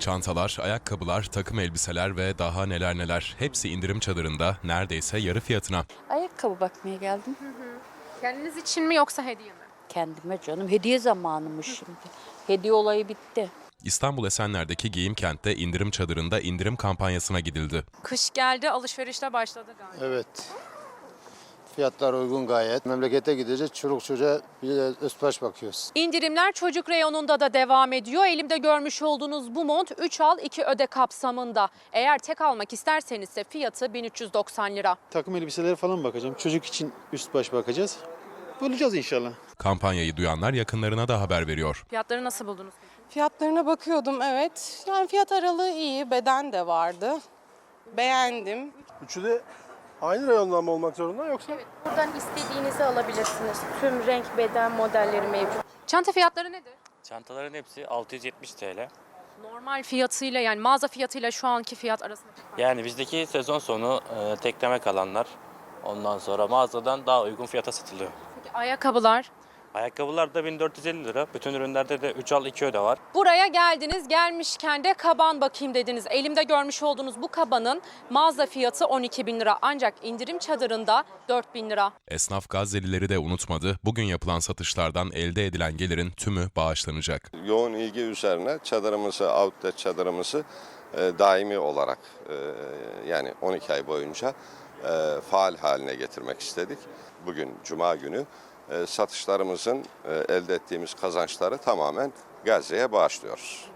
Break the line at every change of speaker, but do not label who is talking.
Çantalar, ayakkabılar, takım elbiseler ve daha neler neler. Hepsi indirim çadırında neredeyse yarı fiyatına.
Ayakkabı bakmaya geldim.
Kendiniz için mi yoksa hediye mi?
Kendime canım. Hediye zamanımış şimdi. Hediye olayı bitti.
İstanbul Esenler'deki Giyim Kent'te indirim çadırında indirim kampanyasına gidildi.
Kış geldi, alışverişte başladı galiba.
Evet. Fiyatlar uygun gayet. Memlekete gideceğiz. Çoluk çocuğa bir de üst baş bakıyoruz.
İndirimler çocuk reyonunda da devam ediyor. Elimde görmüş olduğunuz bu mont 3 al 2 öde kapsamında. Eğer tek almak isterseniz ise fiyatı 1390 lira.
Takım elbiselere falan bakacağım. Çocuk için üst baş bakacağız. Bulacağız inşallah.
Kampanyayı duyanlar yakınlarına da haber veriyor.
Fiyatları nasıl buldunuz?
Fiyatlarına bakıyordum, evet. Yani fiyat aralığı iyi, beden de vardı. Beğendim.
Üçü de aynı rayondan mı olmak zorunda yoksa?
Buradan istediğinizi alabilirsiniz. Tüm renk, beden modelleri mevcut.
Çanta fiyatları nedir?
Çantaların hepsi 670 TL.
Normal fiyatıyla yani mağaza fiyatıyla şu anki fiyat arasında.
Yani bizdeki sezon sonu tekleme kalanlar ondan sonra mağazadan daha uygun fiyata satılıyor.
Peki ayakkabılar?
Ayakkabılar da 1450 lira. Bütün ürünlerde de 3 al 2 öde var.
Buraya geldiniz, gelmişken de kaban bakayım dediniz. Elimde görmüş olduğunuz bu kabanın mağaza fiyatı 12 bin lira ancak indirim çadırında 4 bin lira.
Esnaf Gazze'lileri de unutmadı. Bugün yapılan satışlardan elde edilen gelirin tümü bağışlanacak.
Yoğun ilgi üzerine çadırımızı, outlet çadırımızı daimi olarak yani 12 ay boyunca faal haline getirmek istedik. Bugün Cuma günü satışlarımızın elde ettiğimiz kazançları tamamen Gazze'ye bağışlıyoruz.